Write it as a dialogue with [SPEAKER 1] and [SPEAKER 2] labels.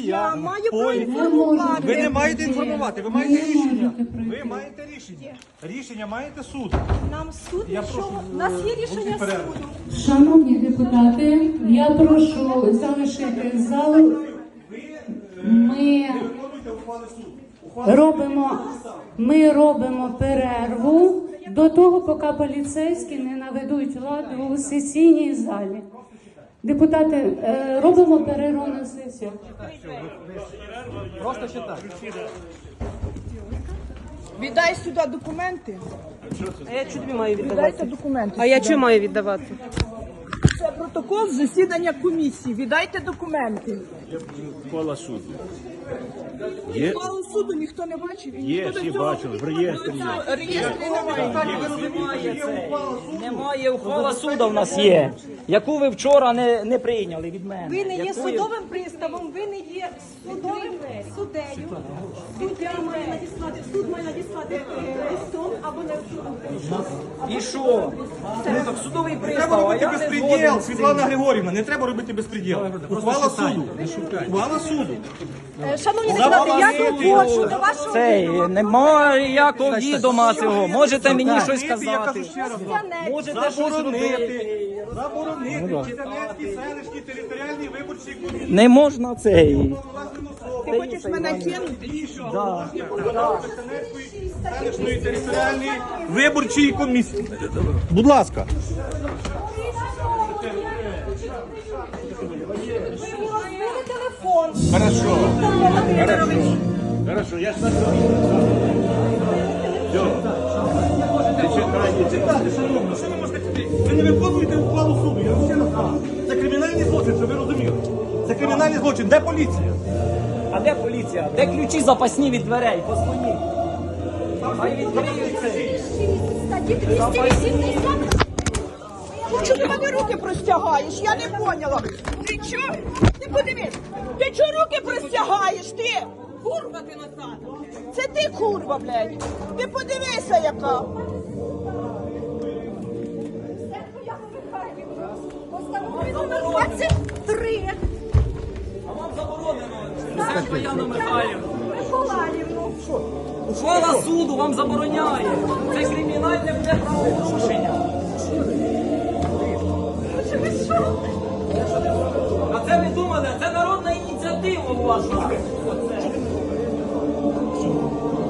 [SPEAKER 1] Я маю право
[SPEAKER 2] Ви
[SPEAKER 1] інформувати.
[SPEAKER 2] не маєте інформувати, ви маєте рішення. Ви маєте рішення. Рішення маєте суд.
[SPEAKER 1] Нам суд
[SPEAKER 2] Я
[SPEAKER 1] нічого.
[SPEAKER 2] прошу,
[SPEAKER 1] У нас є рішення
[SPEAKER 2] будьте перерви.
[SPEAKER 1] суду.
[SPEAKER 3] Шановні депутати, я прошу залишити зал. Ми робимо перерву до того, поки поліцейські не наведуть лад у сесійній залі. Депутати, робимо перерву на сесію.
[SPEAKER 2] Просто читай.
[SPEAKER 1] Віддай сюди документи.
[SPEAKER 4] А я чого тобі маю
[SPEAKER 1] Віддайте
[SPEAKER 4] віддавати?
[SPEAKER 1] документи.
[SPEAKER 4] А я чого маю віддавати?
[SPEAKER 1] Це протокол засідання комісії. Віддайте документи.
[SPEAKER 5] Ухвала суду. Є,
[SPEAKER 1] Ухвалу суду ніхто не бачив. І
[SPEAKER 5] є,
[SPEAKER 1] ніхто до
[SPEAKER 5] всі
[SPEAKER 1] цього
[SPEAKER 5] бачили, в реєстрі є.
[SPEAKER 1] реєстрі немає.
[SPEAKER 6] Немає ухвала суду в нас є, яку ви вчора не прийняли від мене.
[SPEAKER 7] Ви не є
[SPEAKER 6] Яку
[SPEAKER 7] судовим приставом, ви не є судовим суддею. Суддя має надіслати, суд має надіслати листом або не
[SPEAKER 6] І що? Ну так судовий
[SPEAKER 2] Треба
[SPEAKER 6] пристав, а
[SPEAKER 2] робити
[SPEAKER 6] я не
[SPEAKER 2] безпреділ,
[SPEAKER 6] згоден з
[SPEAKER 2] Світлана
[SPEAKER 6] цим.
[SPEAKER 2] Григорівна, не треба робити безпреділ. Ухвала суду. Ухвала суду.
[SPEAKER 7] Шановні депутати, я доводжу до вашого
[SPEAKER 6] Цей,
[SPEAKER 7] відома.
[SPEAKER 6] немає ніякого відома цього. Можете мені щось
[SPEAKER 2] Я
[SPEAKER 6] сказати.
[SPEAKER 2] кажу ще раз.
[SPEAKER 6] Можете щось робити.
[SPEAKER 2] Заборонити Чернецькій селищній територіальній виборчій комісії.
[SPEAKER 6] Не можна цей.
[SPEAKER 1] Ти хочеш мене кинути?
[SPEAKER 2] Селищної територіальної виборчої комісії. Будь ласка.
[SPEAKER 7] Розбили телефон.
[SPEAKER 5] Хорошо.
[SPEAKER 7] Віктор Володимирович.
[SPEAKER 5] Хорошо, я ж на все. Не чекайте.
[SPEAKER 2] Що ви можете сказати? Ви не виконуєте ухвалу суду. Я вам ще раз кажу. Це кримінальний злочин, щоб ви розуміли. Це кримінальний злочин. Де поліція?
[SPEAKER 6] А де поліція? Де ключі запасні від дверей? Позвоніть. Хай відкриють цей.
[SPEAKER 7] Статті 280.
[SPEAKER 1] Чого ти мене руки простягаєш? Я не поняла. Ти чого? Ти подивись. Ти чого руки простягаєш? Ти? Курва ти назад. Це ти курва, блядь. Ти подивися, яка.
[SPEAKER 7] Постанови номер 23.
[SPEAKER 6] А вам заборонено. Це Яна Михайлівна.
[SPEAKER 7] Миколаївну.
[SPEAKER 6] Ухвала суду вам забороняє. Це кримінальне буде правопорушення. А це ви думали, це народна ініціатива ваша. Оце.